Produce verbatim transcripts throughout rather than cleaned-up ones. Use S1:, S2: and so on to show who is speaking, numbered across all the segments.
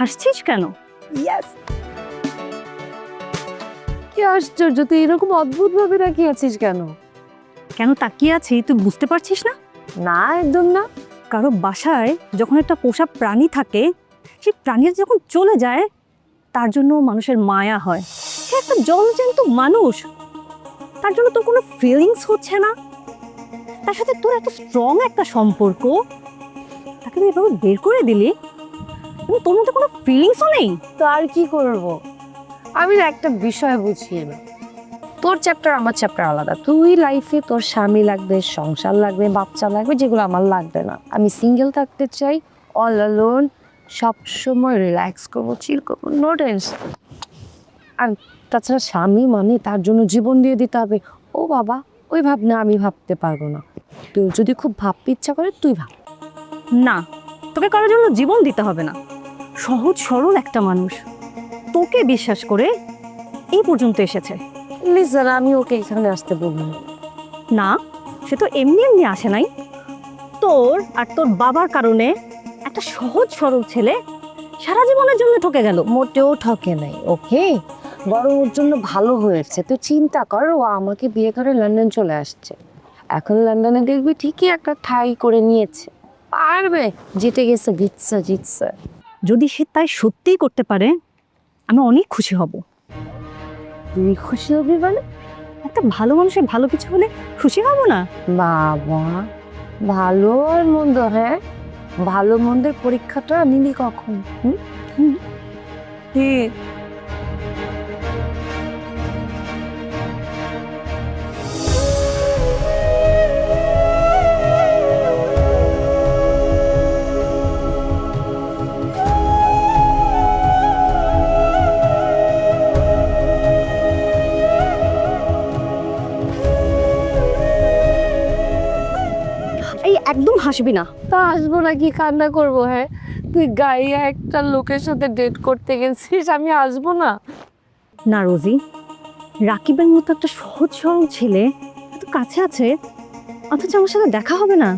S1: হাসছিস কেন?
S2: ইয়েস। কি আশ্চর্য, তুই এরকম অদ্ভুত ভাবে তাকিয়ে আছিস কেন?
S1: কেন তাকিয়ে আছি তুই বুঝতে পারছিস না?
S2: না, একদম না।
S1: কারো বাসায় যখন একটা পোষা প্রাণী থাকে, সেই প্রাণীটা যখন চলে যায় তার জন্য মানুষের মায়া হয়। সে একটা জলজ্যান্ত মানুষ, তার জন্য তোর কোনো ফিলিংস হচ্ছে না। তার সাথে তোর এত স্ট্রং একটা সম্পর্ক, তাকে তুই এভাবে বের করে দিলি এবং তোর মধ্যে কোনো ফিলিংসও নেই।
S2: তো আর কি করব? আমি না একটা বিষয় বুঝিয়ে না, তোর চ্যাপ্টার আমার চ্যাপ্টার আলাদা। তুই লাইফে তোর স্বামী লাগবে, সংসার লাগবে, বাচ্চা লাগবে, যেগুলো আমার লাগবে না। আমি সিঙ্গেল থাকতে চাই, অল অ্যালোন, সবসময় রিল্যাক্স করবো, চিল করবো, নো টেনশন। আর তাছাড়া স্বামী মানে তার জন্য জীবন দিয়ে দিতে হবে, ও বাবা ওই ভাবনা আমি ভাবতে পারবো না। তুই যদি খুব ভাবতে ইচ্ছা করে তুই ভাব।
S1: না, তোকে কারোর জন্য জীবন দিতে হবে না। সহজ সরল একটা মানুষ তোকে বিশ্বাস করে এই পর্যন্ত এসেছে।
S2: লিসন, আমি ওকে এখানে আসতে বলবো না।
S1: না, সে তো এমনি এমনি আসে নাই। তোর আর তোর বাবার কারণে একটা সহজ সরল ছেলে সারা জীবনের জন্য ঠকে গেল।
S2: মোটেও ঠকে নাই, ওকে? বরং ওর জন্য ভালো হয়েছে। তুই চিন্তা কর, ও আমাকে বিয়ে করে লন্ডন চলে আসছে। এখন লন্ডনে দেখবি ঠিকই একটা ঠাঁই করে নিয়েছে, পারবে। জিতে গেছে, জিতছে জিতছে।
S1: যদি সে তাই সত্যিই করতে পারে, আমি অনেক খুশি হব।
S2: তুই খুশি হবি মানে?
S1: একটা ভালো মানুষের ভালো কিছু হলে খুশি হব না?
S2: বাবা, ভালো আর মন্দ, হ্যাঁ? ভালো মন্দের পরীক্ষাটা নিলি কখন? হুম হুম ঠিক।
S1: এই একদম হাসবি না।
S2: তা আসবো নাকি কান্না করবো? হ্যাঁ, তুই গাইয়া একটা লোকের সাথে ডেট করতে গেছিস, আমি আসবো না?
S1: না রোজি, রাকিবের মতো একটা সহজ সরল ছেলে এত কাছে আছে, অথচ আমার সাথে দেখা হবে না।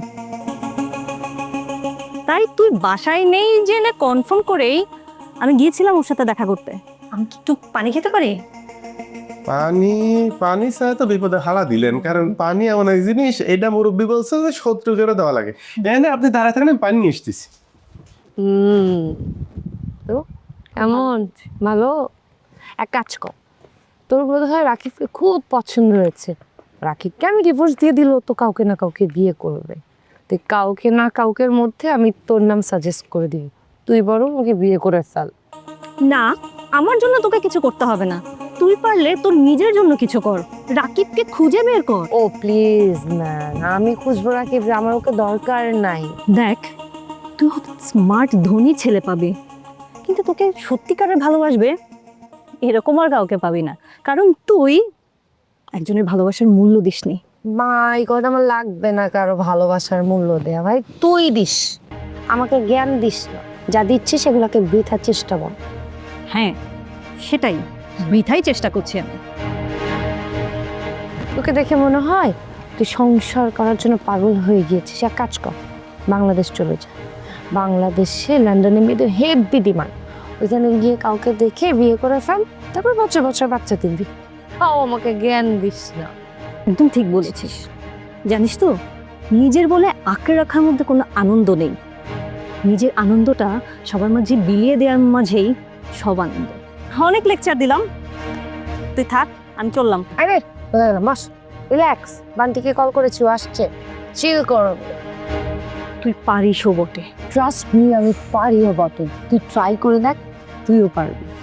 S1: তাই তুই বাসায় নেই জেনে কনফার্ম করেই আমি গিয়েছিলাম ওর সাথে দেখা করতে। আমি কি একটু পানি খেতে পারি?
S3: পানি পানি ছাড়া তো বিপদে হালা দিলেন, কারণ পানি এমন এক জিনিস, এটা মুরব্বী বলছে যে শত্রুকেরও দেওয়া লাগে। এখানে আপনি দাঁড়ায় থাকেন, আমি পানি নিয়ে এসতেছি।
S2: হুম, তো এমন ভালো। এক কাজ কর, তোর বোধ হয় রাকিবকে খুব পছন্দ হয়েছে। রাকিবকে আমি ডিভোর্স দিয়ে দিল, তো কাউকে না কাউকে বিয়ে করবে। তুই কাউকে না কাউকের মধ্যে আমি তোর নাম সাজেস্ট করে দিই, তুই বরং ওকে বিয়ে করে ফেল।
S1: না, আমার জন্য তোকে কিছু করতে হবে না। তুই পারলে তোর নিজের জন্য কিছু কর, রাকিবকে খুঁজে বের কর।
S2: ও প্লিজ ম্যান, আমি খুঁজবো রাকিব, আমার ওকে দরকার নাই।
S1: দেখ, তুই হয়তো স্মার্ট ধনী ছেলে পাবি, কিন্তু তোকে সত্যিকারের ভালোবাসবে এরকম আর কাউকে পাবি না, কারণ তুই একজনের ভালোবাসার মূল্য দিসনি।
S2: মা, এই কথা আমার লাগবে না কারো ভালোবাসার মূল্য দেয়া। ভাই তুই দিস, আমাকে জ্ঞান দিস না। যা দিচ্ছিস সেগুলোকে বৃথার চেষ্টা কর।
S1: হ্যাঁ, সেটাই বৃথাই চেষ্টা করছি আমি।
S2: তোকে দেখে মনে হয় তুই সংসার করার জন্য পাগল হয়ে গিয়েছিস। এক কাজ কর, বাংলাদেশ চলে যা। বাংলাদেশে লন্ডনে মেয়েদের হেভি ডিমান্ড। ওইখানে গিয়ে কাউকে দেখে বিয়ে করে ফেল, তারপর বছর বছর বাচ্চা দিবি। তাও আমাকে জ্ঞান দিস না।
S1: একদম ঠিক বলেছিস। জানিস তো, নিজের বলে আঁকড়ে রাখার মধ্যে কোনো আনন্দ নেই। নিজের আনন্দটা সবার মাঝে বিলিয়ে দেওয়ার মাঝেই সব আনন্দ। অনেক লেকচার দিলাম, তুই থাক, আমি চললাম।
S2: আরে মাস, রিল্যাক্স। বান্টিকে কল করেছি, ও আসছে, চিল কর।
S1: তুই পারিসও বটে।
S2: ট্রাস্ট মি, আমি পারিও বটে। তুই ট্রাই করে দেখ, তুইও পারবি।